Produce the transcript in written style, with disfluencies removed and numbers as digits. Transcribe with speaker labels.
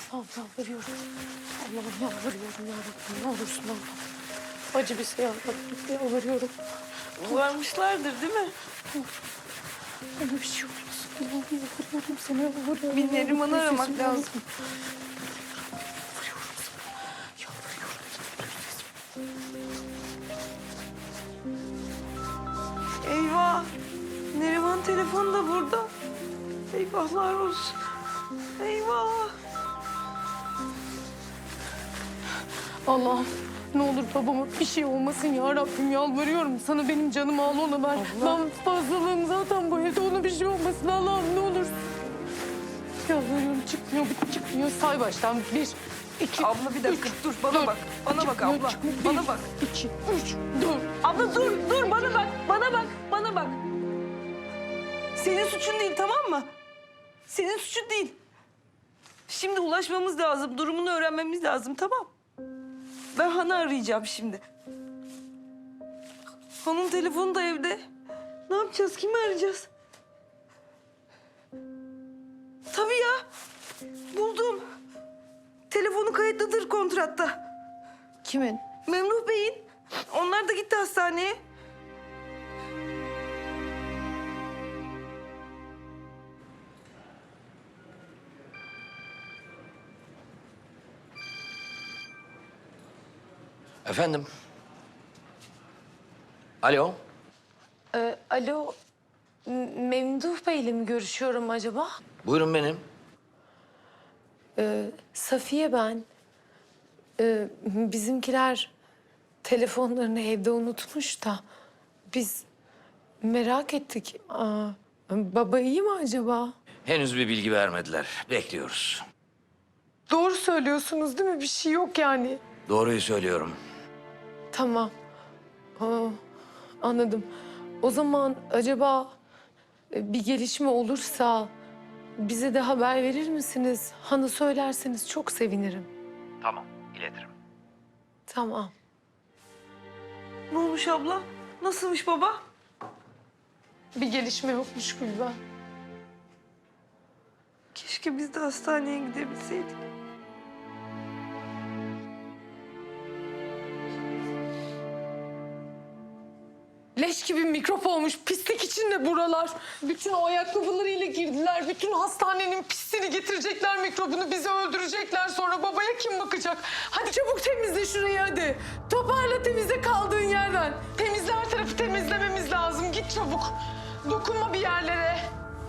Speaker 1: Allah'ım yalvarıyorum. Allah'ım yalvarıyorum ya Rabbim. Ne olursun Allah'ım. Acı bir şey Rabbim. Yalvarıyorum.
Speaker 2: Varmışlardır değil mi?
Speaker 1: Ona bir şey olmasın. Allah'ım yalvarıyorum sana yalvarıyorum.
Speaker 2: Bir Neriman'ı aramak
Speaker 1: Sesimi
Speaker 2: lazım.
Speaker 1: Yalvarıyorum sana. Yalvarıyorum.
Speaker 2: Eyvah. Neriman telefonu da burada. Eyvahlar olsun. Eyvah.
Speaker 1: Allah'ım ne olur babama bir şey olmasın ya Rabbim yalvarıyorum. Sana benim canımı al ona ver. Ben fazlalığım zaten bu evde, ona bir şey olmasın Allah'ım ne olur. Yalvarıyorum çıkmıyor, çıkmıyor. Say baştan 1, 2,
Speaker 2: Abla bir dakika dur bana bak. Bana bak abla. Bana bak.
Speaker 1: 2, 3, 4.
Speaker 2: Abla dur bana bak. Bana bak. Senin suçun değil tamam mı? Senin suçun değil. Şimdi ulaşmamız lazım. Durumunu öğrenmemiz lazım tamam. Ben Han'ı arayacağım şimdi. Han'ın telefonu da evde. Ne yapacağız? Kimi arayacağız? Tabii ya. Buldum. Telefonu kayıtlıdır kontratta.
Speaker 1: Kimin?
Speaker 2: Memduh Bey'in. Onlar da gitti hastaneye.
Speaker 3: Efendim? Alo?
Speaker 1: Alo, Memduh Bey'le mi görüşüyorum acaba?
Speaker 3: Buyurun benim.
Speaker 1: Safiye ben. Bizimkiler telefonlarını evde unutmuş da biz merak ettik. Baba iyi mi acaba?
Speaker 3: Henüz bir bilgi vermediler. Bekliyoruz.
Speaker 1: Doğru söylüyorsunuz değil mi? Bir şey yok yani.
Speaker 3: Doğruyu söylüyorum.
Speaker 1: Tamam. Anladım. O zaman acaba bir gelişme olursa bize de haber verir misiniz? Hanı söylerseniz çok sevinirim.
Speaker 3: Tamam, iletirim.
Speaker 1: Tamam.
Speaker 2: Ne olmuş abla? Nasılmış baba?
Speaker 1: Bir gelişme yokmuş Gülben.
Speaker 2: Keşke biz de hastaneye gidebilseydik.
Speaker 1: Leş gibi mikrop olmuş, pislik içinde buralar. Bütün o ayakkabılarıyla girdiler. Bütün hastanenin pisliğini getirecekler, mikrobunu bizi öldürecekler. Sonra babaya kim bakacak? Hadi çabuk temizle şurayı hadi. Toparla, temizle kaldığın yerden. Temizle, her tarafı temizlememiz lazım. Git çabuk. Dokunma bir yerlere.